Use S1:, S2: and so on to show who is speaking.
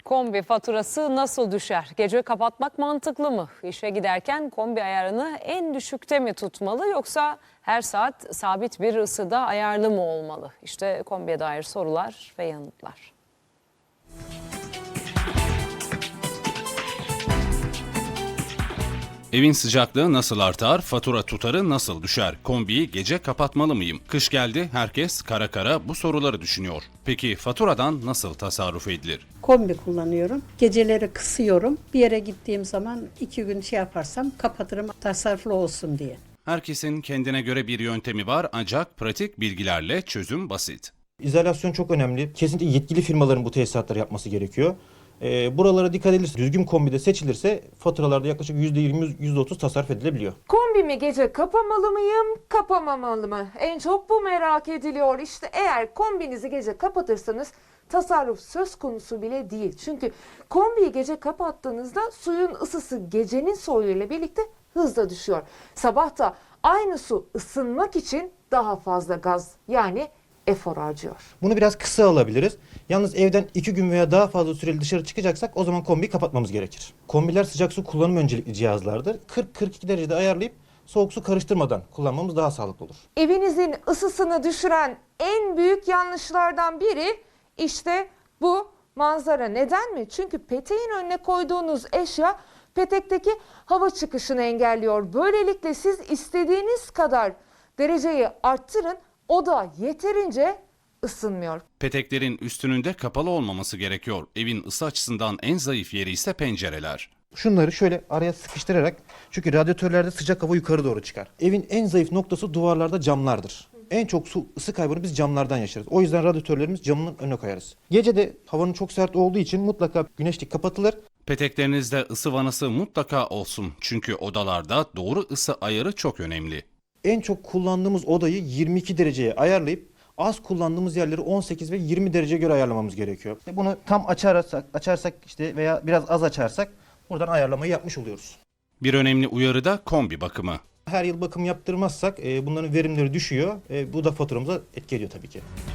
S1: Kombi faturası nasıl düşer? Gece kapatmak mantıklı mı? İşe giderken kombi ayarını en düşükte mi tutmalı yoksa her saat sabit bir ısıda ayarlı mı olmalı? İşte kombiye dair sorular ve yanıtlar.
S2: Evin sıcaklığı nasıl artar, fatura tutarı nasıl düşer? Kombiyi gece kapatmalı mıyım? Kış geldi, herkes kara kara bu soruları düşünüyor. Peki faturadan nasıl tasarruf edilir?
S3: Kombi kullanıyorum. Geceleri kısıyorum. Bir yere gittiğim zaman 2 gün yaparsam kapatırım tasarruflu olsun diye.
S2: Herkesin kendine göre bir yöntemi var ancak pratik bilgilerle çözüm basit.
S4: İzolasyon çok önemli. Kesinlikle yetkili firmaların bu tesisatları yapması gerekiyor. Buralara dikkat edilirse, düzgün kombide seçilirse faturalarda yaklaşık %20, %30 tasarruf edilebiliyor.
S5: Kombimi gece kapamalı mıyım, kapamamalı mı? En çok bu merak ediliyor. İşte eğer kombinizi gece kapatırsanız tasarruf söz konusu bile değil. Çünkü kombiyi gece kapattığınızda suyun ısısı gecenin soğuğuyla birlikte hızla düşüyor. Sabah da aynı su ısınmak için daha fazla gaz yani efor harcıyor.
S4: Bunu biraz kısa alabiliriz. Yalnız evden 2 gün veya daha fazla süreli dışarı çıkacaksak o zaman kombiyi kapatmamız gerekir. Kombiler sıcak su kullanım öncelikli cihazlardır. 40-42 derecede ayarlayıp soğuk su karıştırmadan kullanmamız daha sağlıklı olur.
S5: Evinizin ısısını düşüren en büyük yanlışlardan biri işte bu manzara. Neden mi? Çünkü peteğin önüne koyduğunuz eşya petekteki hava çıkışını engelliyor. Böylelikle siz istediğiniz kadar dereceyi arttırın, o da yeterince ısınmıyor.
S2: Peteklerin üstünün de kapalı olmaması gerekiyor. Evin ısı açısından en zayıf yeri ise pencereler.
S4: Şunları şöyle araya sıkıştırarak, çünkü radyatörlerde sıcak hava yukarı doğru çıkar. Evin en zayıf noktası duvarlarda camlardır. En çok ısı kaybını biz camlardan yaşarız. O yüzden radyatörlerimiz camının önüne koyarız. Gece de havanın çok sert olduğu için mutlaka güneşlik kapatılır.
S2: Peteklerinizde ısı vanası mutlaka olsun. Çünkü odalarda doğru ısı ayarı çok önemli.
S4: En çok kullandığımız odayı 22 dereceye ayarlayıp az kullandığımız yerleri 18 ve 20 derece göre ayarlamamız gerekiyor. Bunu tam açarsak işte veya biraz az açarsak buradan ayarlamayı yapmış oluyoruz.
S2: Bir önemli uyarı da kombi bakımı.
S4: Her yıl bakım yaptırmazsak bunların verimleri düşüyor. Bu da faturamıza etki ediyor tabii ki.